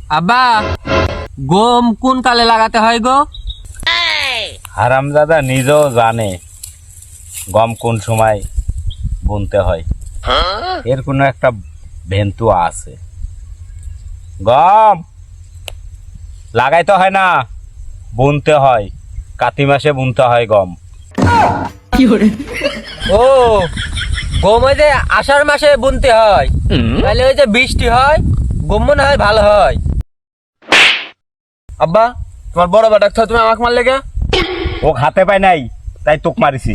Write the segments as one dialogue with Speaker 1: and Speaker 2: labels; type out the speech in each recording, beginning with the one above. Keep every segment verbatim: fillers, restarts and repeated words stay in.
Speaker 1: আব্বা গম কোন কালে লাগাতে হয় গো?
Speaker 2: হারামজাদা নিজেও জানে গম কোন সময় বুনতে হয়, এর কোনো একটা ভেন্তু আছে। গম লাগাইতে হয় না, বুনতে হয়, কাতি মাসে বুনতে হয় গম।
Speaker 1: ও গম ওই যে আষাঢ় মাসে বুনতে হয়, তাহলে ওই যে বৃষ্টি হয় গম মনে হয় ভালো হয়। আব্বা তোমার বড় বেটা তো তুমি আমাকে মারলে কে?
Speaker 2: ও হাতে পায় নাই তাই তোক মারিছি।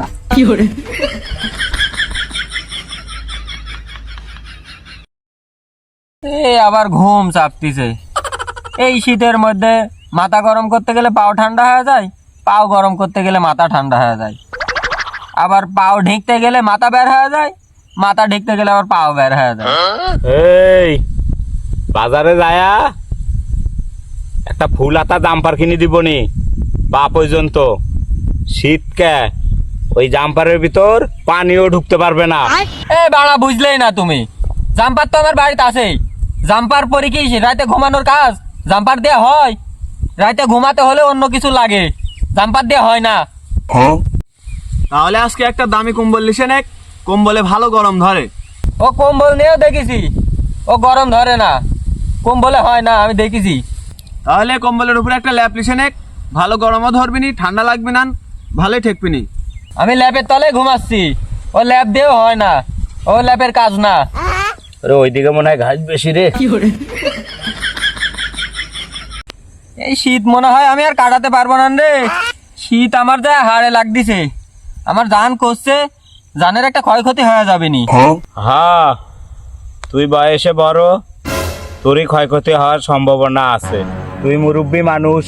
Speaker 1: এ আবার ঘুম চাপতিছে। এই শীতের মধ্যে মাথা গরম করতে গেলে পাও ঠান্ডা হয়ে যায়, পাও গরম করতে গেলে মাথা ঠান্ডা হয়ে যায়, আবার পাও ঢেকতে গেলে মাথা বের হয়ে যায়, মাথা ঢেকতে গেলে আবার পাও বের হয়ে যায়।
Speaker 2: এই বাজারে যায়া একটা ফুল হাতা জাম্পার কিনে দিবনি বা পর্যন্ত শীতকে ওই জাম্পারের ভিতর পানিও ঢুকতে পারবে না।
Speaker 1: এ বাড়া বুঝলেই না তুমি, জাম্পার তো আমার বাড়িতে আছেই। জাম্পার পরে কি রাতে ঘুমানোর কাজ জাম্পার দিয়ে হয়? রাতে ঘুমাতে হলে অন্য কিছু লাগে, জাম্পার দিয়ে হয় না।
Speaker 3: তাহলে আজকে একটা দামি কম্বল লিসে নে, কম্বলে ভালো গরম ধরে।
Speaker 1: ও কম্বল নিয়েও দেখেছি, ও গরম ধরে না, কম্বলে হয় না, আমি দেখেছি।
Speaker 3: তাহলে কম্বলের উপরে একটা ল্যাপ লিসে নে, ভালো গরমও ধরবি নি, ঠান্ডা লাগবে না, ভালোই ঠেকবি নি।
Speaker 1: আমি ল্যাপের তলে ঘুমাচ্ছি, ও ল্যাপ দিয়েও হয় না, ও ল্যাপের কাজ না।
Speaker 2: আরে ওইদিকে মনে হয় ঘাস বেশি রে।
Speaker 1: এই শীত মনে হয় আমি আর কাটাতে পারবো না রে, শীত আমার যা হাড়ে লাগতেছে, আমার জান করছে, জানের একটা ক্ষয়ক্ষতি হয়ে যাবে নি।
Speaker 2: হ্যাঁ তুই বয়সে বড়, তোরই ক্ষয়ক্ষতি হওয়ার সম্ভাবনা আছে, তুই মুরব্বী মানুষ।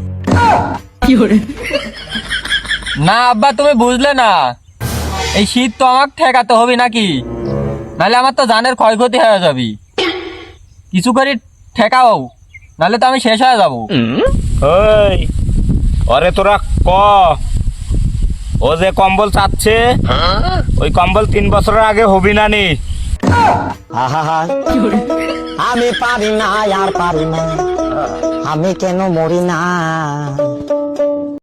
Speaker 1: না আব্বা তুমি বুঝলে না, এই শীত তো আমাকে ঠেকাতে হবে নাকি, নাহলে আমার তো জানের ক্ষয়ক্ষতি হয়ে যাবে। কিছু করে ঠেকাও, নাহলে তো আমি শেষ হয়ে যাবো।
Speaker 2: ওই ওরে তোরা ক, ও যে কম্বল চাচ্ছে ওই কম্বল তিন বছরের আগে হবি না নি।
Speaker 4: আহা আমি পারি না আর পারি না, আমি কেন মরি না।